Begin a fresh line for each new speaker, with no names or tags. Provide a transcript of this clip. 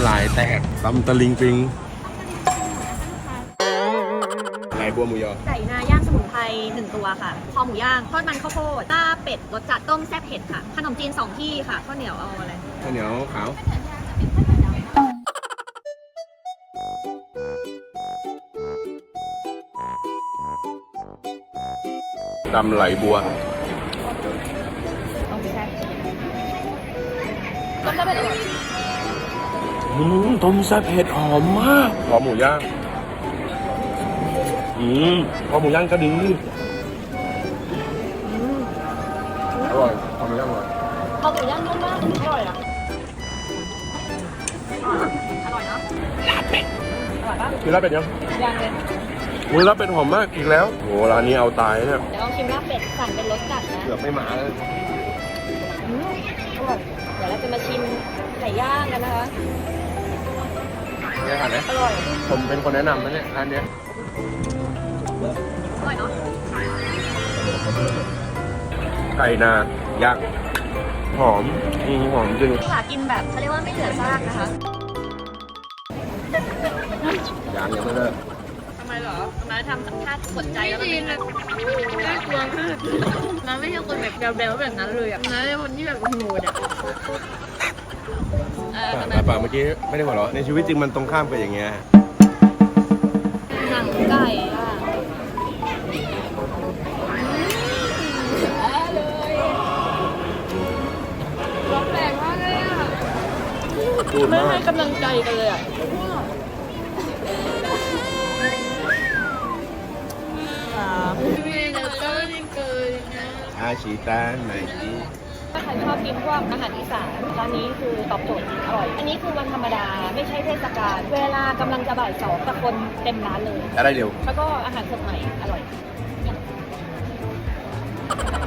ลายแตกตำตะลิงปิงไหลบัวหมูยอ
ไก่นาย่างสมุนไพร1 ตัวค่ะคอหมูย่างทอดมันข้าวโพดต้าเป็ดรสจัดต้มแซ่บเผ็ดค่ะขนมจีน2 ที่ค่ะข้าวเหนียวเอาอะไร
ข้าวเหนียวขาวตำไหลบัว
ต้มแซ่บต้มแซ่บเผ็ดอร่อย
ต้มแซ่บเผ็ดหอมมากคอหมูย่างคอหมูย่างก็ดีอร่อยคอหมูย่างอร่อย
คอหมูย่างนุ่มมากอร่อยอ่ะอร่อยเนาะ
ลาบเป็ด
อร่อยปะ
กินลาบเป็ดยัง
เลย
มือลาบเป็ดหอมมากอีกแล้วโหร้านนี้เอาตายเนี่ย
เดี๋ยวลองชิมลาบเป็ดสั่งเป็นรสจัดนะ
เกือบไม่หมาเลย
อร่อยเดี๋ยวเราจะมาชิมไก่ย่างกันนะคะ
เนี่ยค่ะเนี่ย
อร่อย
ผมเป็นคนแนะนำนะเนี่ยร้านเนี้ย
อร่อยเนาะ
ไก่นาย่างหอมหอมจริง
ค่ะกินแบบเขาเรียกว่าไม่เหลือซากนะคะ
ย่างยังไม่เลิก
ทำไมเหรอมาทำท่ากดใจแล้วมันน่ากลัวมากมันไม่ใช่คนแบบแบลๆแบบนั้นเลยอ่ะนะเป็นคนที่แบบโหดอ่ะ
แต่ป่าเมื่อกี้ไม่ได้หัวเราะในชีวิตจริงมันตรงข้ามไปอย่างเงี้ย
หนังไก่อ่ะร้อนแรงมากเลยอ่ะไม่ให้กำลังใจกันเลยอ่ะ
อาชีตาไหนดี
ถ้าใครชอบกินพวกอาหารอีสานร้านนี้คือตอบโจทย์อร่อยอันนี้คือวันธรรมดาไม่ใช่เทศกาลเวลากำลังจะบ่าย 2แต่คนเต็มร้านเลย
อะไรเร็ว
แล้วก็อาหารสดใหม่อร่อย